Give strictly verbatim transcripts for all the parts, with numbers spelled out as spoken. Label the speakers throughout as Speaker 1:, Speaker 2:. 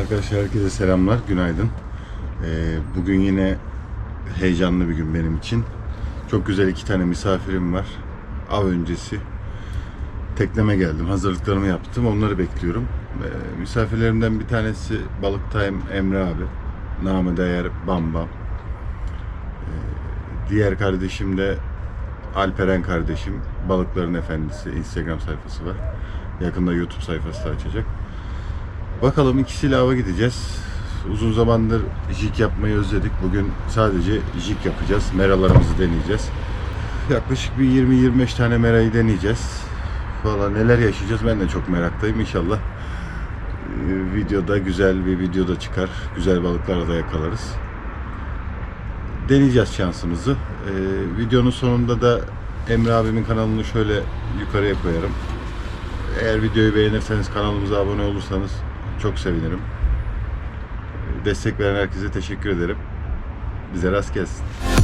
Speaker 1: Arkadaşlar herkese selamlar, günaydın. Ee, bugün yine heyecanlı bir gün benim için. Çok güzel iki tane misafirim var. Av öncesi tekneme geldim, hazırlıklarımı yaptım, onları bekliyorum. Ee, misafirlerimden bir tanesi Balık Time Emre abi, namı değer Bam Bam. Ee, diğer kardeşim de Alperen kardeşim, Balıkların Efendisi Instagram sayfası var. Yakında YouTube sayfası da açacak. Bakalım ikisiyle ava gideceğiz. Uzun zamandır jig yapmayı özledik. Bugün sadece jig yapacağız. Meralarımızı deneyeceğiz. Yaklaşık bir yirmi yirmi beş tane merayı deneyeceğiz. Valla neler yaşayacağız ben de çok meraktayım. İnşallah e, videoda güzel bir videoda çıkar. Güzel balıklar da yakalarız. Deneyeceğiz şansımızı. E, videonun sonunda da Emre abimin kanalını şöyle yukarıya koyarım. Eğer videoyu beğenirseniz, kanalımıza abone olursanız çok sevinirim. Destek veren herkese teşekkür ederim. Bize rast gelsin.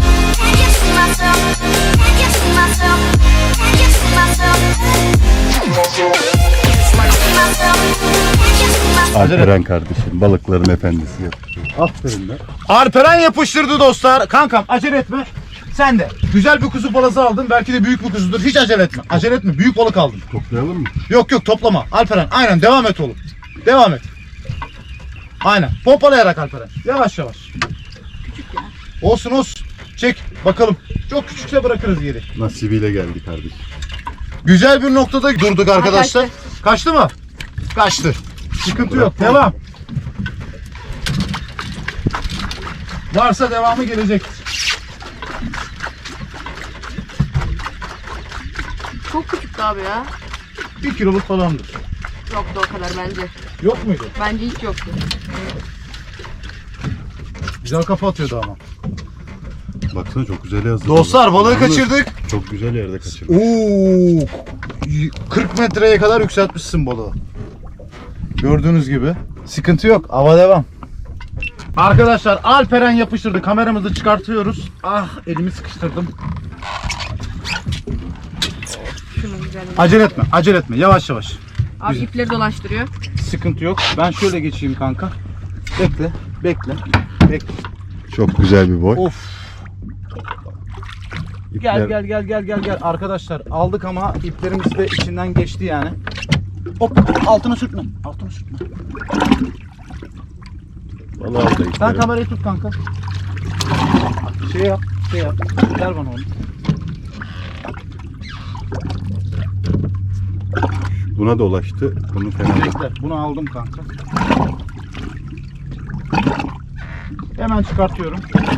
Speaker 1: Alperen kardeşim, Balıkların Efendisi yapıyor. Aferin be.
Speaker 2: Alperen yapıştırdı dostlar. Kankam acele etme. Sen de güzel bir kuzu balası aldın. Belki de büyük bir kuzudur. Hiç acele etme. Acele etme. Büyük balık aldın.
Speaker 1: Toplayalım mı?
Speaker 2: Yok yok toplama. Alperen aynen devam et oğlum. Devam et. Aynen. Pompalayarak Alperen. Yavaş yavaş.
Speaker 3: Küçük ya.
Speaker 2: Olsun olsun. Çek bakalım. Çok küçükse bırakırız geri.
Speaker 1: Nasibiyle geldi kardeşim.
Speaker 2: Güzel bir noktada durduk arkadaşlar.
Speaker 3: Kaçtı.
Speaker 2: Kaçtı mı? Kaçtı. Sıkıntı yok. Devam. Varsa devamı gelecektir.
Speaker 3: Çok küçüktü abi ya.
Speaker 2: Bir kiloluk falandır.
Speaker 3: Yoktu o kadar bence.
Speaker 2: Yok muydu?
Speaker 3: Bence hiç yoktu.
Speaker 2: Güzel kafa atıyordu ama.
Speaker 1: Baksana çok güzel yazdı.
Speaker 2: Dostlar balığı
Speaker 1: Yalnız
Speaker 2: kaçırdık.
Speaker 1: Çok güzel yerde kaçırdık.
Speaker 2: Oo, kırk metreye kadar yükseltmişsin balığı. Gördüğünüz gibi. Sıkıntı yok. Ava devam. Arkadaşlar Alperen yapıştırdı. Kameramızı çıkartıyoruz. Ah elimi sıkıştırdım.
Speaker 3: Şunun güzelliği.
Speaker 2: Acele etme. Acele etme. Yavaş yavaş.
Speaker 3: Abi
Speaker 2: Güzel.
Speaker 3: ipleri dolaştırıyor.
Speaker 2: Sıkıntı yok. Ben şöyle geçeyim kanka. Bekle. Bekle. Bekle.
Speaker 1: Çok güzel bir boy.
Speaker 2: Of.
Speaker 1: İpler-
Speaker 2: Gel gel gel gel gel gel. Arkadaşlar aldık ama iplerimiz de içinden geçti yani. Hop altına sürtme. Altına sürtme.
Speaker 1: Vallahi aldı
Speaker 2: Sen
Speaker 1: ipleri.
Speaker 2: kamerayı tut kanka. Şey yap, şey yap. Ver bana onu.
Speaker 1: Buna dolaştı. Bunu fena değil.
Speaker 2: Bekle. Bunu aldım kanka. Hemen çıkartıyorum.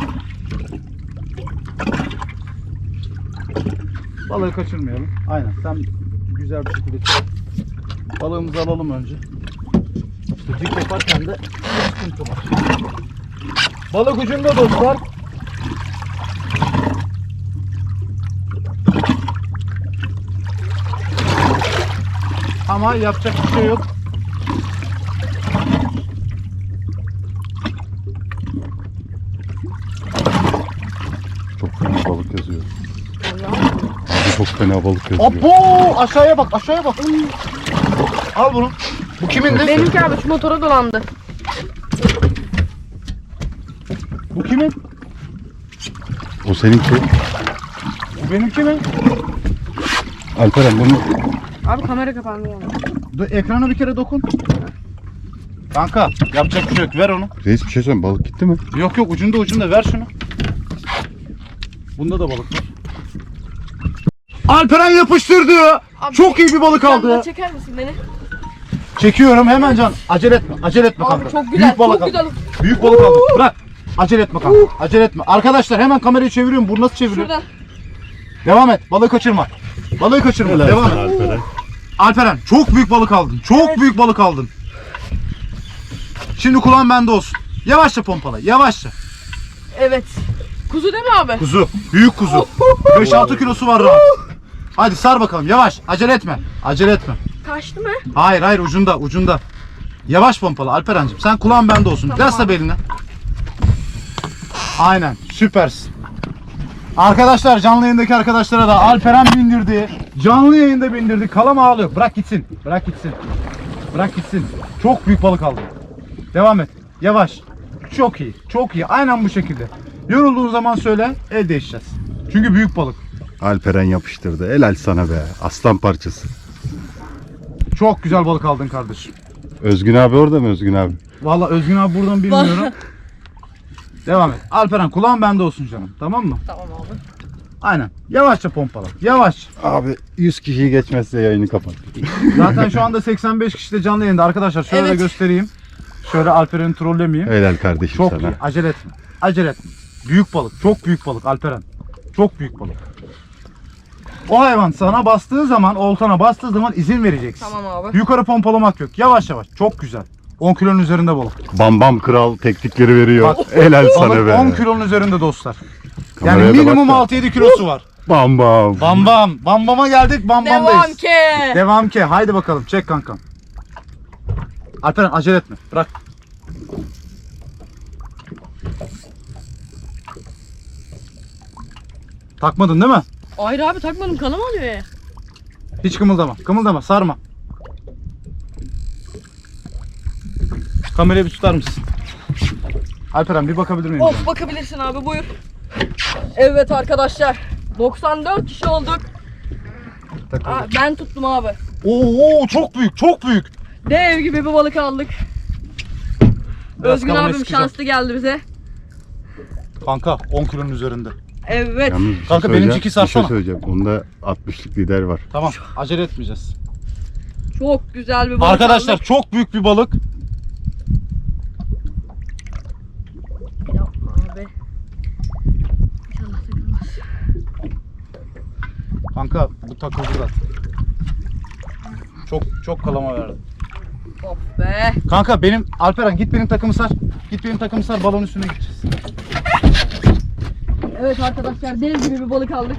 Speaker 2: Balığı kaçırmayalım. Aynen. Sen güzel bir şekilde çık. Balığımızı alalım önce. İşte dik yaparken de sıkıntı var. Balık ucunda dostlar. Ama yapacak bir şey yok.
Speaker 1: Çok fena balık yazıyor. Abi çok fena balık yazıyor.
Speaker 2: Abo! Aşağıya bak, aşağıya bak. Al bunu. Bu kimindi?
Speaker 3: Benimki abi şu motora dolandı.
Speaker 2: Bu kimin?
Speaker 1: O seninki.
Speaker 2: Bu benimki mi?
Speaker 1: Alperen bunu
Speaker 3: Abi kamera kapandı yani.
Speaker 2: Dur, ekrana bir kere dokun. Kanka yapacak bir şey yok. Ver onu.
Speaker 1: reis bir şey söyleyeyim, balık gitti mi?
Speaker 2: Yok yok ucunda ucunda ver şunu. Bunda da balık var. Alperen yapıştırdı.
Speaker 3: Abi,
Speaker 2: Çok iyi bir balık
Speaker 3: Yanına
Speaker 2: aldı.
Speaker 3: çeker misin beni?
Speaker 2: Çekiyorum hemen can. Acele etme. Acele etme
Speaker 3: Abi
Speaker 2: kanka.
Speaker 3: çok güzel,
Speaker 2: Büyük balık
Speaker 3: çok
Speaker 2: aldı.
Speaker 3: güzel.
Speaker 2: Büyük balık aldı. Bırak. Acele etme kanka. Acele etme. Arkadaşlar hemen kamerayı çeviriyorum. Bu nasıl çeviriyor?
Speaker 3: Şuradan.
Speaker 2: Devam et. Balığı kaçırma. Balığı kaçırma.
Speaker 1: Helal
Speaker 2: Devam
Speaker 1: sana
Speaker 2: et.
Speaker 1: Alperen.
Speaker 2: Alperen çok büyük balık aldın. Çok
Speaker 3: Evet.
Speaker 2: büyük balık aldın. Şimdi kulağın bende olsun. Yavaşça pompala. Yavaşça.
Speaker 3: Evet. Kuzu değil mi abi?
Speaker 2: Kuzu. Büyük kuzu. beş altı kilosu var rahat. Hadi sar bakalım. Yavaş. Acele etme. Acele etme.
Speaker 3: Kaçtı mı?
Speaker 2: Hayır hayır ucunda ucunda. Yavaş pompala Alperen'cim. Sen kulağın bende olsun.
Speaker 3: Tamam
Speaker 2: Yasla
Speaker 3: abi.
Speaker 2: beline. Aynen. Süpersin. Arkadaşlar canlı yayındaki arkadaşlara da Alperen bindirdi. Canlı yayında bindirdi. Kalam ağlıyor. Bırak gitsin. Bırak gitsin. Bırak gitsin. Çok büyük balık aldım. Devam et. Yavaş. Çok iyi. Çok iyi. Aynen bu şekilde. Yorulduğun zaman söyle. El değişeceğiz. Çünkü büyük balık.
Speaker 1: Alperen yapıştırdı. Helal sana be. Aslan parçası.
Speaker 2: Çok güzel balık aldın kardeşim.
Speaker 1: Özgün abi orada mı Özgün abi?
Speaker 2: Vallahi Özgün abi buradan bilmiyorum. Devam et. Alperen kulağın bende olsun canım. Tamam mı?
Speaker 3: Tamam abi.
Speaker 2: Aynen. Yavaşça pompala. Yavaş.
Speaker 1: Abi yüz kişiyi geçmezse yayını kapat.
Speaker 2: Zaten şu anda seksen beş kişi de canlı yayında. Arkadaşlar şöyle
Speaker 3: Evet.
Speaker 2: de göstereyim. Şöyle Alperen'i trollemeyeyim.
Speaker 1: Helal kardeşim
Speaker 2: Çok
Speaker 1: sana.
Speaker 2: iyi. Acele etme. Acele etme. Büyük balık. Çok büyük balık Alperen. Çok büyük balık. O hayvan sana bastığı zaman, oltana bastığı zaman izin vereceksin.
Speaker 3: Tamam abi.
Speaker 2: Yukarı pompalamak yok. Yavaş yavaş. Çok güzel. on kilonun üzerinde balık.
Speaker 1: Bam bam kral teknikleri veriyor.
Speaker 2: Bak,
Speaker 1: Helal sana
Speaker 2: Balık
Speaker 1: be.
Speaker 2: on kilonun üzerinde dostlar.
Speaker 1: Kameraya
Speaker 2: Yani
Speaker 1: da
Speaker 2: minimum
Speaker 1: bak da.
Speaker 2: altı yedi kilosu var.
Speaker 1: Bam bam.
Speaker 2: Bam bam. Bam bama geldik. Bam
Speaker 3: Devam
Speaker 2: bamdayız.
Speaker 3: ki.
Speaker 2: Devam ki. Haydi bakalım. Çek kankam. Alperen acele etme. Bırak. Takmadın değil mi?
Speaker 3: Hayır abi takmadım, kanım alıyor ya.
Speaker 2: Hiç kımıldama. Kımıldama. Sarma. Kamerayı bir tutar mısın? Alperen bir bakabilir miyim?
Speaker 3: Of, bakabilirsin abi, buyur. Evet arkadaşlar. doksan dört kişi olduk.
Speaker 2: Takıldı.
Speaker 3: Aa, ben tuttum abi.
Speaker 2: Oo, çok büyük. Çok büyük.
Speaker 3: Dev gibi bir balık aldık.
Speaker 2: Biraz
Speaker 3: Özgün
Speaker 2: kamerayı
Speaker 3: abim
Speaker 2: sıkacağım.
Speaker 3: şanslı geldi bize.
Speaker 2: Kanka on kilonun üzerinde.
Speaker 3: Evet.
Speaker 1: Yalnız bir şey
Speaker 2: Kanka,
Speaker 1: söyleyeceğim,
Speaker 2: benimki
Speaker 1: bir şey
Speaker 2: sarsana.
Speaker 1: söyleyeceğim. Onda altmışlık lider var.
Speaker 2: Tamam. Acele etmeyeceğiz.
Speaker 3: Çok güzel bir balık
Speaker 2: Arkadaşlar
Speaker 3: aldık.
Speaker 2: çok büyük bir balık.
Speaker 3: Yapma abi. İnşallah takılmaz.
Speaker 2: Kanka bu takıldı da. Çok çok kalama verdi.
Speaker 3: Of be.
Speaker 2: Kanka benim Alperen git benim takımı sar. Git benim takımı sar, balon üstüne gideceğiz.
Speaker 3: Evet arkadaşlar, dev gibi bir balık aldık.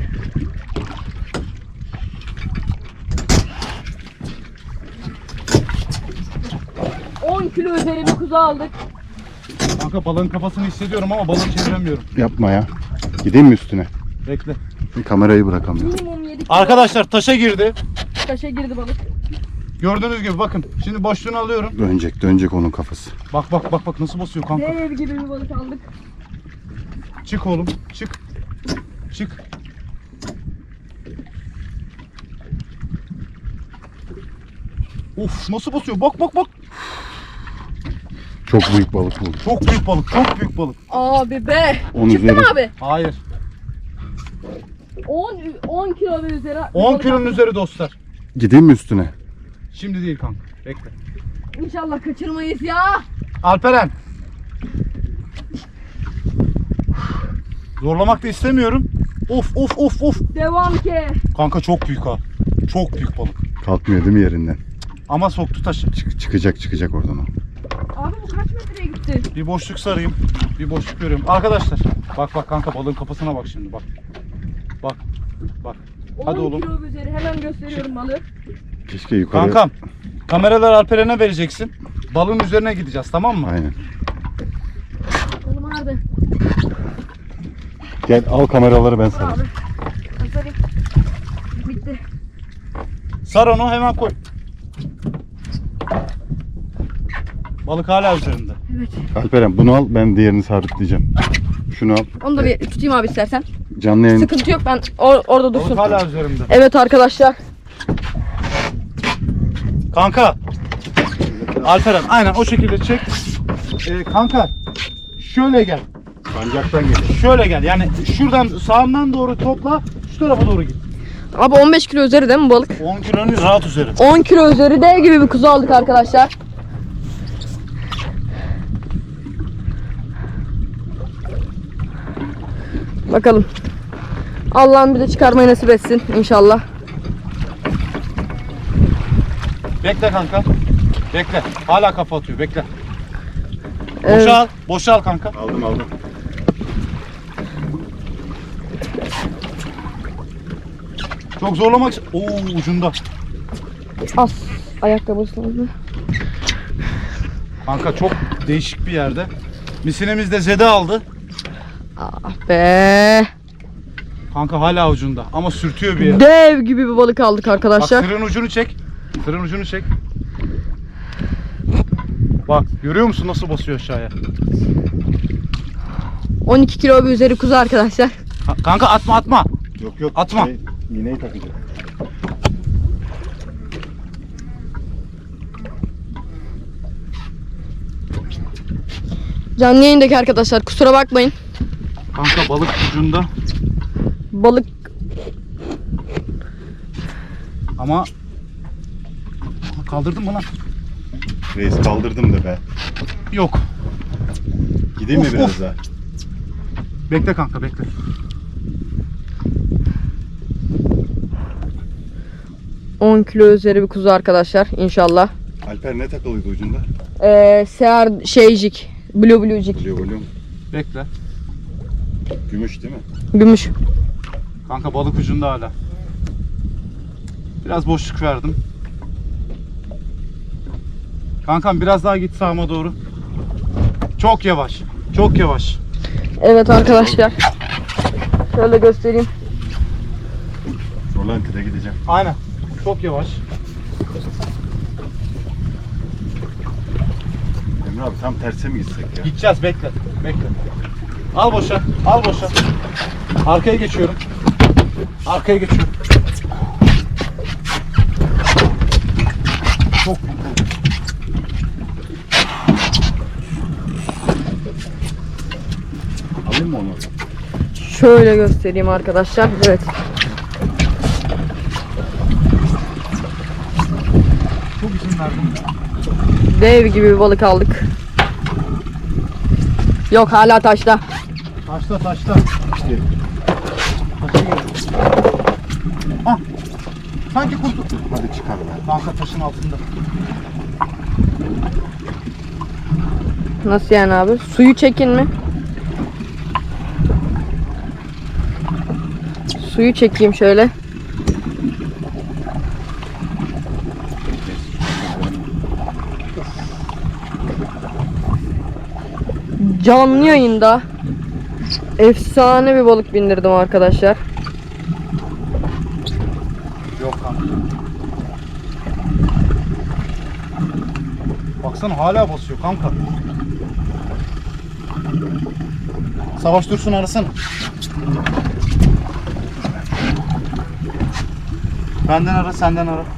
Speaker 3: on kilo üzeri bir kuzu aldık.
Speaker 2: Kanka balığın kafasını hissediyorum ama balığı çeviremiyorum.
Speaker 1: Yapma ya. Gideyim mi üstüne?
Speaker 2: Bekle.
Speaker 1: Kamerayı bırakamıyorum.
Speaker 3: Minimum yedi kilo.
Speaker 2: Arkadaşlar taşa girdi.
Speaker 3: Taşa girdi balık.
Speaker 2: Gördüğünüz gibi bakın. Şimdi boşluğunu alıyorum.
Speaker 1: Dönecek dönecek onun kafası.
Speaker 2: Bak bak bak bak nasıl basıyor kanka.
Speaker 3: Dev gibi bir balık aldık.
Speaker 2: Çık oğlum. Çık. Çık. Of nasıl basıyor? Bak bak bak.
Speaker 1: Çok büyük balık bu.
Speaker 2: Çok büyük balık. Çok büyük balık.
Speaker 3: Abi be.
Speaker 1: On
Speaker 3: Çıktı
Speaker 1: üzeri.
Speaker 3: mı abi?
Speaker 2: Hayır.
Speaker 3: on, on kilo ve üzeri. bir
Speaker 2: on
Speaker 3: balık
Speaker 2: kilonun
Speaker 3: aldık.
Speaker 2: üzeri dostlar.
Speaker 1: Gideyim mi üstüne?
Speaker 2: Şimdi değil kanka. Bekle.
Speaker 3: İnşallah kaçırmayız ya.
Speaker 2: Alperen. Zorlamak da istemiyorum. Of of of of.
Speaker 3: Devam ki.
Speaker 2: Kanka çok büyük ha. Çok büyük balık.
Speaker 1: Kalkmıyor değil mi yerinden?
Speaker 2: Ama soktu taşı.
Speaker 1: Çık- çıkacak çıkacak oradan o.
Speaker 3: Abi bu kaç metreye gitti?
Speaker 2: Bir boşluk sarayım. Bir boşluk görüyorum. Arkadaşlar. Bak bak kanka balığın kafasına bak şimdi bak. Bak. Bak. Hadi
Speaker 3: on
Speaker 2: oğlum.
Speaker 3: kilo ve üzeri, hemen gösteriyorum balığı.
Speaker 1: Keşke yukarı.
Speaker 2: Kankam. Kameralar Alperen'e vereceksin. Balığın üzerine gideceğiz, tamam mı?
Speaker 1: Aynen.
Speaker 3: Oğlum nerede?
Speaker 1: Gel al kameraları ben
Speaker 3: Dur
Speaker 1: sana.
Speaker 3: abi. Aferin. Bitti.
Speaker 2: Sar onu hemen koy. Balık hala üzerinde.
Speaker 3: Evet.
Speaker 1: Alperen bunu al, ben diğerini sabitleyeceğim. Şunu al.
Speaker 3: Onu da bir tutayım abi istersen.
Speaker 1: Canlı yayın.
Speaker 3: Sıkıntı yok, ben or- orada
Speaker 2: Balık
Speaker 3: dursun.
Speaker 2: hala üzerinde.
Speaker 3: Evet arkadaşlar.
Speaker 2: Kanka. Alperen aynen o şekilde çek. Ee, kanka şöyle gel.
Speaker 1: Sancaktan geliyor.
Speaker 2: Şöyle gel. Yani şuradan sağından doğru topla. Şu tarafa doğru git.
Speaker 3: Abi on beş kilo üzeri değil mi balık?
Speaker 2: on kilonun rahat üzeri.
Speaker 3: on kilo üzeri dev gibi bir kuzu aldık arkadaşlar. Bakalım. Allah'ım bize çıkarmayı nasip etsin inşallah.
Speaker 2: Bekle kanka. Bekle. Hala kafa atıyor. Bekle.
Speaker 3: Evet.
Speaker 2: Boşal. Boşal kanka.
Speaker 1: Aldım aldım.
Speaker 2: Çok zorlamak. Oo ucunda.
Speaker 3: As ayakkabısını.
Speaker 2: Kanka çok değişik bir yerde. Misinemiz de zede aldı.
Speaker 3: Ah be.
Speaker 2: Kanka hala ucunda ama sürtüyor bir yere.
Speaker 3: Dev gibi bir balık aldık
Speaker 2: Bak
Speaker 3: arkadaşlar.
Speaker 2: tırın ucunu çek. Tırın ucunu çek. Bak görüyor musun nasıl basıyor aşağıya?
Speaker 3: on iki kilo bir üzeri kuzu arkadaşlar.
Speaker 2: Ka- Kanka atma atma.
Speaker 1: Yok yok.
Speaker 2: Atma.
Speaker 1: Şey, iğneyi takacağım.
Speaker 3: Canlı yayındaki arkadaşlar kusura bakmayın.
Speaker 2: Kanka balık ucunda
Speaker 3: Balık
Speaker 2: ama kaldırdın mı lan?
Speaker 1: Reis kaldırdım da be.
Speaker 2: Yok.
Speaker 1: Gideyim mi
Speaker 2: Of,
Speaker 1: biraz
Speaker 2: of.
Speaker 1: daha?
Speaker 2: Bekle kanka bekle.
Speaker 3: on kilo üzeri bir kuzu arkadaşlar inşallah.
Speaker 1: Alper ne takılıydı ucunda?
Speaker 3: Ee, Sear şeycik. Blue bluecik.
Speaker 1: Biliyor biliyor.
Speaker 2: Bekle.
Speaker 1: Gümüş değil mi?
Speaker 3: Gümüş.
Speaker 2: Kanka balık ucunda hala. Biraz boşluk verdim. Kankam biraz daha git sağıma doğru. Çok yavaş. Çok yavaş.
Speaker 3: Evet arkadaşlar. Şöyle göstereyim.
Speaker 1: Rolanti'de gideceğim.
Speaker 2: Aynen. Çok yavaş.
Speaker 1: Emre abi tam terse mi gitsek ya?
Speaker 2: Gideceğiz bekle. Bekle. Al boşa. Al boşa. Arkaya geçiyorum. Arkaya geçiyorum. Çok büyük oldu.
Speaker 1: Alayım mı onu?
Speaker 3: Şöyle göstereyim arkadaşlar. Evet.
Speaker 2: Çok izin verdim.
Speaker 3: Dev gibi bir balık aldık. Yok hala taşta.
Speaker 2: Taşla taşla.
Speaker 1: İşte
Speaker 2: Taşa geliyor. Ah. Sanki kurtu.
Speaker 1: hadi çıkar be.
Speaker 2: Kanka taşın altında.
Speaker 3: Nasıl yani abi? Suyu çekin mi? Suyu çekeyim şöyle. Canlı yayında efsane bir balık bindirdim arkadaşlar.
Speaker 2: Yok kanka. Baksana hala basıyor kanka. Savaş Dursun arasana. Benden ara, senden ara.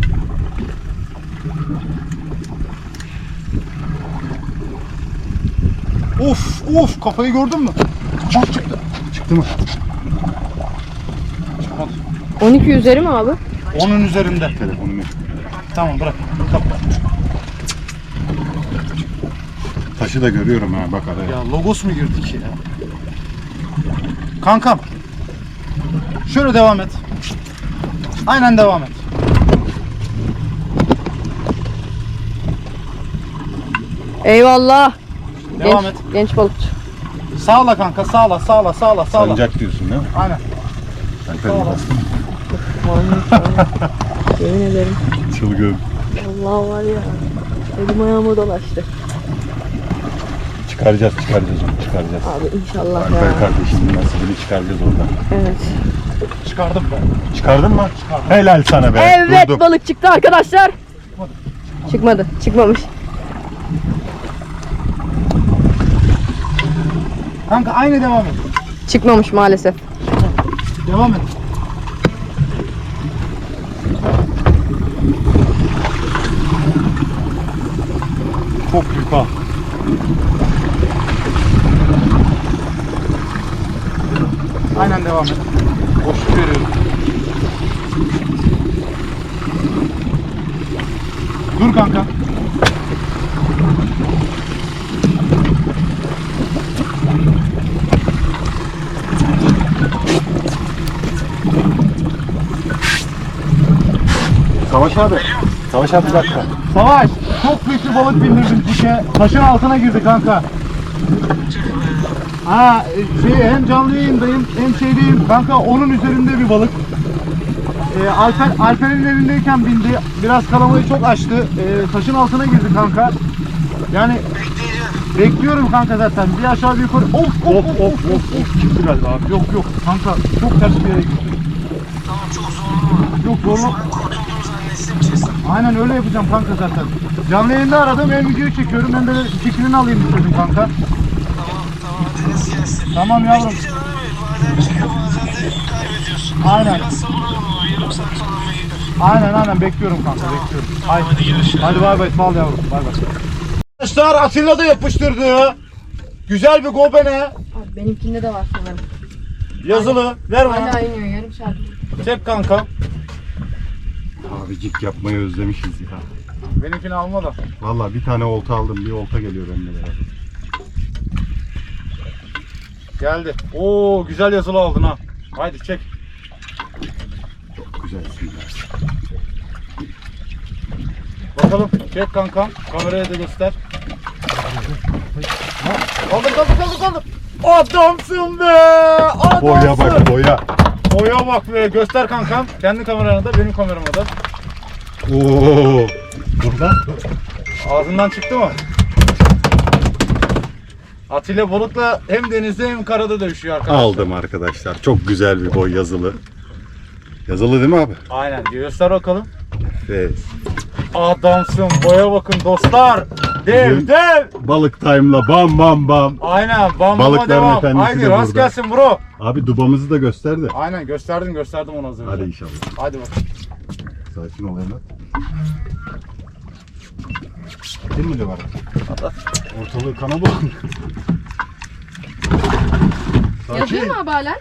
Speaker 2: Of of kafayı gördün mü? Bak çıktı.
Speaker 1: Çıktı mı?
Speaker 2: Çıkmadı.
Speaker 3: on iki üzeri mi abi?
Speaker 2: Onun üzerinde.
Speaker 1: Telefonumu.
Speaker 2: Tamam bırak. Kapat.
Speaker 1: Taşı da görüyorum ha bak araya.
Speaker 2: Ya logos mu girdik ya? Kankam. Şöyle devam et. Aynen devam et.
Speaker 3: Eyvallah.
Speaker 2: Devam
Speaker 3: genç,
Speaker 2: et.
Speaker 3: genç balıkçı.
Speaker 2: Sağla kanka, sağla, sağla, sağla, sağla.
Speaker 1: Sancak diyorsun değil mi?
Speaker 2: Aynen.
Speaker 1: Alper
Speaker 2: Sağ ol.
Speaker 1: biraz
Speaker 3: Yemin ederim.
Speaker 1: çılgın.
Speaker 3: Allah var ya. Elim ayağıma dolaştı.
Speaker 1: Çıkaracağız çıkaracağız onu çıkaracağız.
Speaker 3: Abi inşallah
Speaker 1: Alper
Speaker 3: ya.
Speaker 1: kardeşimin nasibini çıkaracağız oradan.
Speaker 3: Evet.
Speaker 2: Çıkardım ben.
Speaker 1: Çıkardın mı?
Speaker 2: Çıkardım.
Speaker 1: Helal sana be.
Speaker 3: Evet
Speaker 1: Durdum.
Speaker 3: balık çıktı arkadaşlar. Çıkmadı. Çıkmamış.
Speaker 2: Kanka aynı devam et.
Speaker 3: Çıkmamış maalesef.
Speaker 2: Devam et. Çok büyük ha. Aynen devam et. Boşluk veriyorum. Dur kanka.
Speaker 1: Savaş abi. Savaş abi bir dakika.
Speaker 2: Savaş, çok büyük bir balık bindirdim dike. Taşın altına girdi kanka. Ha, şey, hem canlı yayındayım hem şeydeyim. Kanka onun üzerinde bir balık. Ee, Alper, Alper'in elindeyken bindi. Biraz kalamayı çok açtı. Ee, taşın altına girdi kanka. Yani bekliyorum kanka zaten. Bir aşağı bir yukarı. Of of of of of. of.
Speaker 1: Çıktı galiba abi.
Speaker 2: Yok yok kanka çok ters bir yere gitti.
Speaker 4: Tamam çok zorlama.
Speaker 2: Yok zorla.
Speaker 4: Ben kurtuldum zannetsin
Speaker 2: Aynen öyle yapacağım kanka zaten. Canlı yayında aradım, hem videoyu çekiyorum hem de fikrini alayım istedim kanka.
Speaker 4: Tamam tamam Deniz gelsin.
Speaker 2: Tamam yavrum.
Speaker 4: Bekleyeceksin abi. Bazen çıkıyor bazen de kaybediyorsun.
Speaker 2: Aynen.
Speaker 4: Biraz sabır olmalı. Yarım saat falan mı gider?
Speaker 2: Aynen aynen bekliyorum kanka, bekliyorum.
Speaker 4: Tamam, hadi görüşürüz.
Speaker 2: Hadi bay bay, sağ ol yavrum, bay bay. Arkadaşlar Atilla da yapıştırdı. Güzel bir gobene.
Speaker 3: Abi benimkinde de var sanırım.
Speaker 2: Yazılı. Ver bana.
Speaker 3: Hala iniyor yarım saat.
Speaker 2: Çek kanka.
Speaker 1: Abicik yapmayı özlemişiz ya.
Speaker 2: Benimkini alma da.
Speaker 1: Vallahi bir tane olta aldım, bir olta geliyor benimle beraber.
Speaker 2: Geldi. Oo güzel yazılı aldın ha. Haydi çek.
Speaker 1: Çok güzelsin ya.
Speaker 2: Bakalım. Çek kankam. Kameraya da göster. Ha, kaldır kaldır kaldır kaldır. Adamsın be. Adamsın.
Speaker 1: Boya bak boya.
Speaker 2: Boya bak be. Göster kankam. Kendi kamerana da benim kamerama da.
Speaker 1: Oo. Burada.
Speaker 2: Ağzından çıktı mı? Atilla Bulut'la hem denizde hem karada dövüşüyor arkadaşlar.
Speaker 1: Aldım arkadaşlar. Çok güzel bir boy yazılı. Yazılı değil mi abi?
Speaker 2: Aynen. Göster bakalım.
Speaker 1: Evet.
Speaker 2: Adamsın. Boya bakın dostlar. Dev
Speaker 1: Bugün-
Speaker 2: dev.
Speaker 1: Balık time'la bam bam bam.
Speaker 2: Aynen. Bam bama
Speaker 1: Balıkların
Speaker 2: devam.
Speaker 1: efendisi
Speaker 2: Haydi
Speaker 1: de
Speaker 2: rast
Speaker 1: burada.
Speaker 2: gelsin bro.
Speaker 1: Abi dubamızı da gösterdi.
Speaker 2: Aynen gösterdim gösterdim onu az önce.
Speaker 1: Hadi inşallah.
Speaker 2: Hadi bakalım.
Speaker 1: Sakin ol Emre. Kim mi de var? Ortalığı kana bulan.
Speaker 3: Yazıyor mu abi hala?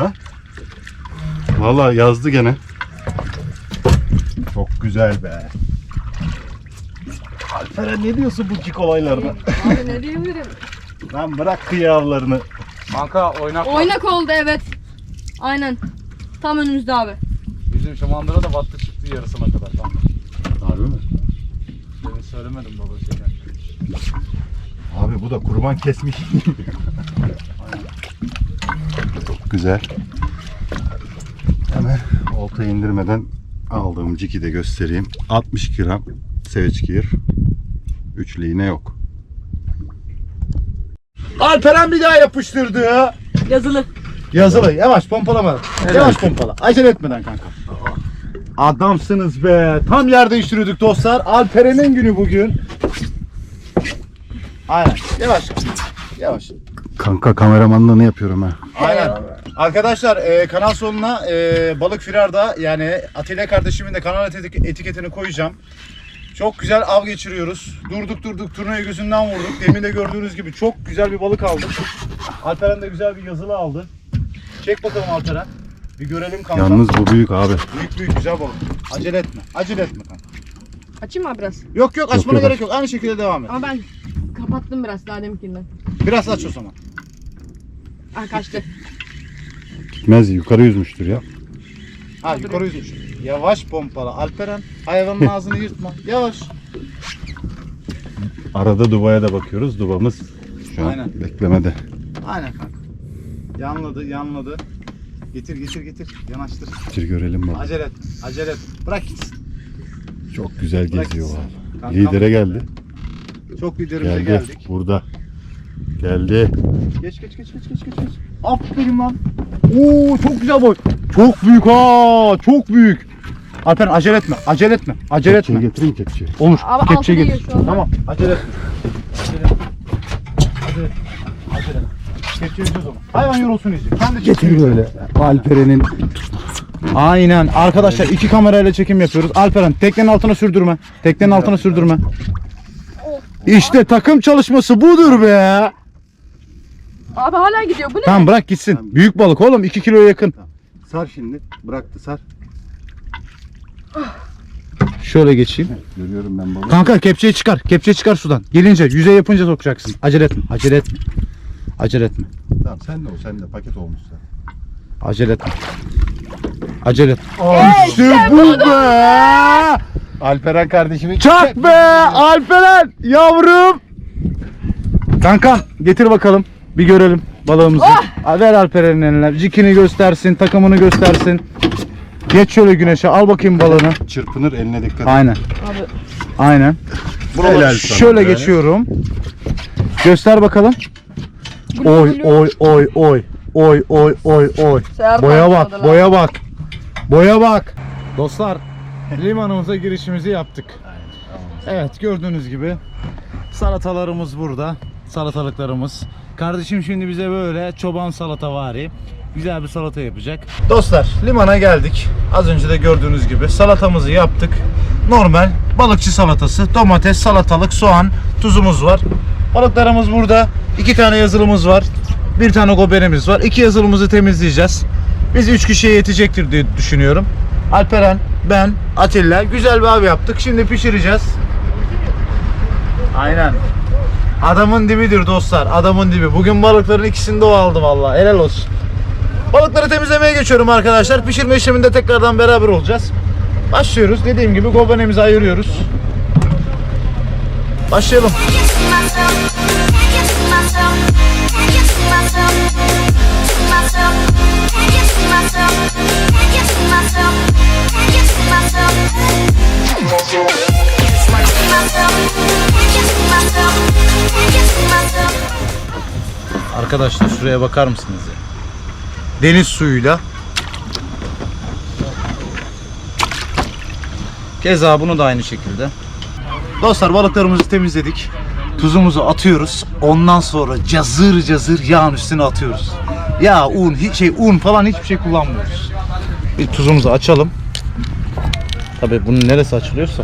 Speaker 1: Vallahi yazdı gene. Çok güzel be. Alperen ne diyorsun bu cik olaylarda?
Speaker 3: Abi ne diyebilirim?
Speaker 1: Lan bırak kıyavlarını.
Speaker 2: Kanka oynak.
Speaker 3: Oynak oldu evet. Aynen. Tam önümüzde abi.
Speaker 2: Bizim şu mandıra da battı çıktı yarısına kadar. Tamam.
Speaker 1: Harbi mi?
Speaker 2: Demin söylemedim baba şeyler.
Speaker 1: Abi bu da kurban kesmiş. Çok güzel. Hemen olta indirmeden aldığım ciki de göstereyim. altmış gram seveçgir. Üçlü iğne yok.
Speaker 2: Alperen bir daha yapıştırdı.
Speaker 3: Yazılı.
Speaker 2: Yazılı. Yavaş pompalama. Yavaş pompala. Acele etmeden kanka. Adamsınız be. Tam yer değiştiriyorduk dostlar. Alperen'in günü bugün. Aynen. Yavaş. Yavaş.
Speaker 1: Kanka kameramanlığını yapıyorum ha.
Speaker 2: Aynen. Arkadaşlar e, kanal sonuna e, Balık Firar'da yani Atilla kardeşimin de kanal etik- etiketini koyacağım. Çok güzel av geçiriyoruz. Durduk durduk turnayı gözünden vurduk. Demin de gördüğünüz gibi çok güzel bir balık aldık. Alperen de güzel bir yazılı aldı. Çek bakalım Alperen. Bir görelim kanka.
Speaker 1: Yalnız bu büyük abi.
Speaker 2: Büyük büyük güzel balık. Acele etme. Acele etme kanka.
Speaker 3: Açayım mı abi biraz?
Speaker 2: Yok yok açmana
Speaker 1: yok,
Speaker 2: gerek
Speaker 1: aç.
Speaker 2: yok. Aynı şekilde devam et.
Speaker 3: Ama ben kapattım biraz daha deminkinden.
Speaker 2: Biraz aç o zaman.
Speaker 3: Ah kaçtı.
Speaker 1: Gitmez yukarı yüzmüştür ya.
Speaker 2: Ha yukarı yüzmüş. Yavaş pompala. Alperen hayvanın ağzını yırtma. Yavaş.
Speaker 1: Arada dubaya da bakıyoruz. Dubamız şu an
Speaker 2: Aynen.
Speaker 1: beklemede.
Speaker 2: Aynen kanka. Yanladı yanladı. Getir getir getir. Yanaştır.
Speaker 1: Bir görelim bak.
Speaker 2: Acele et. Acele et. Bırak gitsin.
Speaker 1: Çok güzel
Speaker 2: Bırak
Speaker 1: geziyor
Speaker 2: gitsin.
Speaker 1: abi.
Speaker 2: Kankam,
Speaker 1: Lidere geldi.
Speaker 2: Çok liderimize
Speaker 1: Geldi.
Speaker 2: geldik.
Speaker 1: Burada. Geldi.
Speaker 2: Geç geç geç geç geç geç. geç. Aferin lan. Oo çok güzel boy. Çok büyük ha. Çok büyük. Alperen acele etme. Acele etme. Acele
Speaker 1: Kepçeyi
Speaker 2: etme.
Speaker 1: getireyim kepçeyi.
Speaker 2: Olur.
Speaker 3: Abi
Speaker 2: Kepçeyi
Speaker 3: altı
Speaker 2: getir.
Speaker 3: değiyor şu anda.
Speaker 2: Tamam. Acele etme. Acele etme. Acele etme. Acele etme. Kepçeyi o zaman. Hayvan yorulsun iyice. Sen de
Speaker 1: Getir böyle. Alperen'in
Speaker 2: Aynen. Arkadaşlar iki kamerayla çekim yapıyoruz. Alperen teknenin altına sürdürme. Teknenin altına sürdürme. İşte takım çalışması budur be.
Speaker 3: Abi hala gidiyor. Bu ne?
Speaker 2: Tamam bırak gitsin. Büyük balık oğlum iki kiloya yakın.
Speaker 1: sar şimdi. Bıraktı sar.
Speaker 2: Şöyle geçeyim.
Speaker 1: Görüyorum ben balığı.
Speaker 2: Kanka kepçeyi çıkar. Kepçeyi çıkar sudan. Gelince yüzey yapınca sokacaksın. Acele etme. Acele etme. Acele etme.
Speaker 1: Tamam sen de o sen de paket olmuş sen.
Speaker 2: Acele etme. Acele etme. İşte bu be.
Speaker 1: Alperen kardeşimi
Speaker 2: Çak be Alperen yavrum. Kankam getir bakalım. Bir görelim balığımızı. Aa, ver Alperen'in eline. Cikini göstersin, takımını göstersin. Geç şöyle güneşe. Al bakayım balığını.
Speaker 1: çırpınır, eline dikkat et.
Speaker 2: Aynen.
Speaker 3: Abi
Speaker 2: Aynen.
Speaker 1: Helal sana
Speaker 2: Şöyle
Speaker 1: be.
Speaker 2: geçiyorum. Göster bakalım.
Speaker 3: bu
Speaker 2: Oy
Speaker 3: ne
Speaker 2: oy oy oy. Oy oy oy oy.
Speaker 3: Seher
Speaker 2: Boya
Speaker 3: takip
Speaker 2: bak,
Speaker 3: adalar.
Speaker 2: boya bak. Boya bak. Dostlar, limanımıza girişimizi yaptık. Evet, gördüğünüz gibi salatalarımız burada. Salatalıklarımız. Kardeşim şimdi bize böyle çoban salatavari güzel bir salata yapacak. Dostlar, limana geldik. Az önce de gördüğünüz gibi salatamızı yaptık. Normal balıkçı salatası. Domates, salatalık, soğan, tuzumuz var. Balıklarımız burada. İki tane yazılımız var. Bir tane goberimiz var. İki yazılımızı temizleyeceğiz. Biz üç kişiye yetecektir diye düşünüyorum. Alperen, ben, Atilla güzel bir av yaptık. Şimdi pişireceğiz. Aynen. Adamın dibidir dostlar. Adamın dibi. Bugün balıkların ikisini de o aldı vallahi. Helal olsun. Balıkları temizlemeye geçiyorum arkadaşlar. Pişirme işleminde tekrardan beraber olacağız. Başlıyoruz. Dediğim gibi gobanemizi ayırıyoruz. Başlayalım. Arkadaşlar şuraya bakar mısınız ya? Deniz suyuyla. Keza bunu da aynı şekilde. Dostlar, balıklarımızı temizledik. Tuzumuzu atıyoruz. Ondan sonra cazır cazır yağın üstüne atıyoruz. Yağ, un, hiç şey un falan hiçbir şey kullanmıyoruz. Bir tuzumuzu açalım. Tabii bunun neresi açılıyorsa.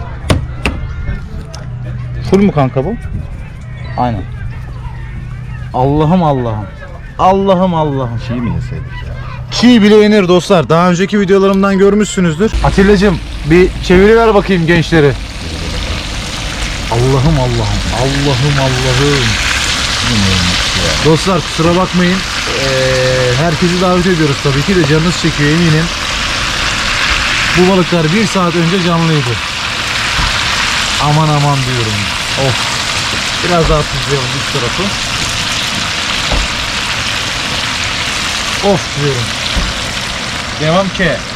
Speaker 2: Full mu kanka bu? Aynen. Allah'ım Allah'ım. Allah'ım Allah'ım.
Speaker 1: Çiğ mi yeseydik ya?
Speaker 2: Çiğ bile yenir dostlar. Daha önceki videolarımdan görmüşsünüzdür. Atilla'cığım bir çeviriver bakayım gençleri. Allah'ım Allah'ım. Allah'ım Allah'ım. Dostlar kusura bakmayın. Ee, herkesi davet ediyoruz tabii ki de, canınız çekiyor eminim. Bu balıklar bir saat önce canlıydı. Aman aman diyorum. Of. Biraz daha tuzlayalım üst tarafı. Of diyorum. Devam ki.